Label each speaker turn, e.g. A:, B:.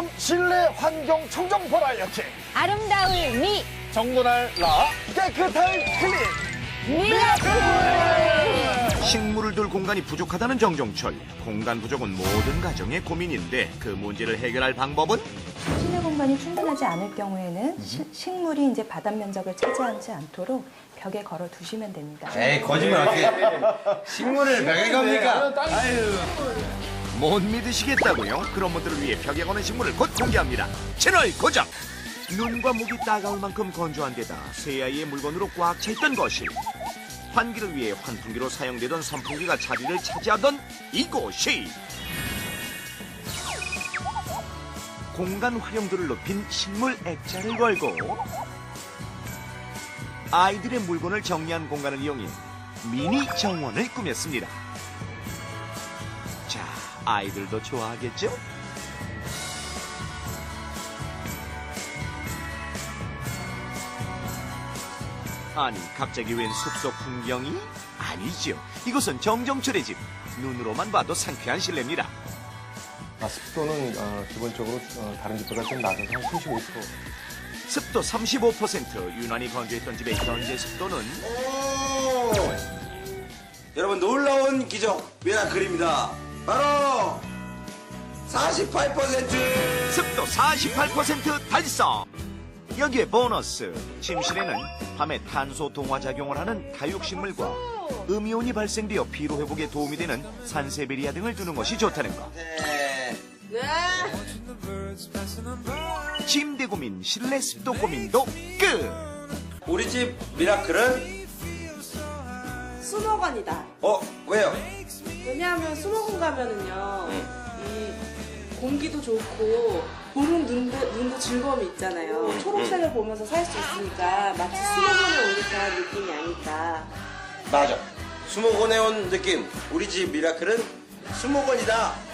A: 프리미엄 실내 환경 청정 버라이어티
B: 아름다울 미
A: 정돈할 라 깨끗할 클린 미라클.
C: 식물을 둘 공간이 부족하다는 정종철. 공간 부족은 모든 가정의 고민인데 그 문제를 해결할 방법은?
D: 실내 공간이 충분하지 않을 경우에는 식물이 이제 바닥 면적을 차지하지 않도록 벽에 걸어 두시면 됩니다.
E: 에이, 거짓말 어떻게. 식물을 벽에 겁니까? 아유.
C: 못 믿으시겠다고요? 그런 분들을 위해 벽에 거는 식물을 곧 공개합니다. 채널 고정! 눈과 목이 따가울 만큼 건조한 데다 새아이의 물건으로 꽉 차있던 거실. 환기를 위해 환풍기로 사용되던 선풍기가 자리를 차지하던 이곳이 공간 활용도를 높인 식물 액자를 걸고 아이들의 물건을 정리한 공간을 이용해 미니 정원을 꾸몄습니다. 자, 아이들도 좋아하겠죠? 아니, 갑자기 웬 숲속 풍경이? 아니죠. 이곳은 정정철의 집. 눈으로만 봐도 상쾌한 실내입니다.
F: 습도는 기본적으로 다른 집보다 좀 낮아서 한 35%.
C: 습도 35%, 유난히 건조했던 집의 현재 습도는
E: 여러분, 놀라운 기적, 미라클입니다. 바로 48%!
C: 습도 48% 달성! 여기에 보너스! 침실에는 밤에 탄소 동화작용을 하는 다육식물과 음이온이 발생되어 피로회복에 도움이 되는 산세베리아 등을 두는 것이 좋다는 것. 침대 고민, 실내 습도 고민도 끝!
E: 우리 집 미라클은?
G: 수목원이다.
E: 왜요?
G: 왜냐하면 수목원 가면은요, 이 공기도 좋고 보는 눈도 즐거움이 있잖아요. 초록색을 보면서 살 수 있으니까 마치 수목원에 온 듯한 느낌이 아닐까.
E: 맞아. 수목원에 온 느낌. 우리 집 미라클은 수목원이다.